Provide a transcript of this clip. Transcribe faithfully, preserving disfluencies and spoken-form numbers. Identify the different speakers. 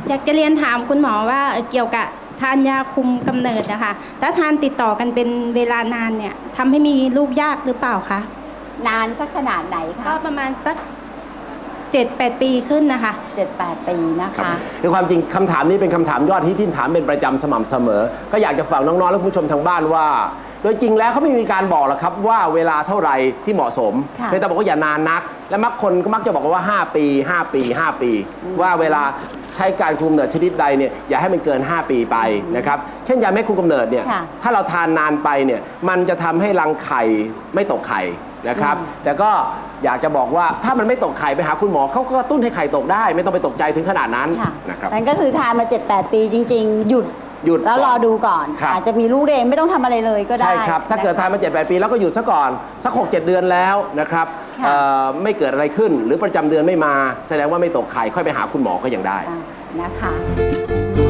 Speaker 1: อยากจะเรียนถามคุณหมอว่าเกี่ยวกับทานยาคุมกำเนิดนะคะถ้าทานติดต่อกันเป็นเวลานานเนี่ยทำให้มีลูกยากหรือเปล่าคะ
Speaker 2: นานสักขนาดไหนคะ
Speaker 1: ก็ประมาณสักเจ็ดแปดปีขึ้นนะคะ
Speaker 2: เจ็ดแปดปีนะคะ
Speaker 3: คือความจริงคำถามนี้เป็นคำถามยอดฮิตที่ถามเป็นประจำสม่ำเสมอก็อยากจะฝากน้องๆและผู้ชมทางบ้านว่าโดยจริงแล้วเขาไม่มีการบอกหรอกครับว่าเวลาเท่าไหร่ที่เหมาะสมเพียงแต่บอกว่าอย่านานนักและมักคนก็มักจะบอกว่าห้าปีห้าปีห้าปีว่าเวลาใช้การคุมกำเนิดชนิดใดเนี่ยอย่าให้มันเกินห้าปีไปนะครับเช่นยาแม่คุมกำเนิดเนี่ยถ้าเราทานนานไปเนี่ยมันจะทำให้รังไข่ไม่ตกไข่นะครับแต่ก็อยากจะบอกว่าถ้ามันไม่ตกไข่ไปหาคุณหมอเขาก็กระตุ้นให้ไข่ตกได้ไม่ต้องไปตกใจถึงขนาดนั้นนะครับ
Speaker 2: นั่นก็คือทานมา เจ็ดแปด ปีจริงๆหยุด
Speaker 3: หยุด
Speaker 2: แล้วรอดูก่อนอาจจะมีลูกเองไม่ต้องทำอะไรเลยก็ได้
Speaker 3: ใช่ครับถ้าเกิดทานมา เจ็ดแปด ปีแล้วก็หยุดซะก่อนสัก หกเจ็ด เดือนแล้วนะครับไม่เกิดอะไรขึ้นหรือประจำเดือนไม่มาแสดงว่าไม่ตกไข่ค่อยไปหาคุณหมอก็ยังได้
Speaker 2: นะคะ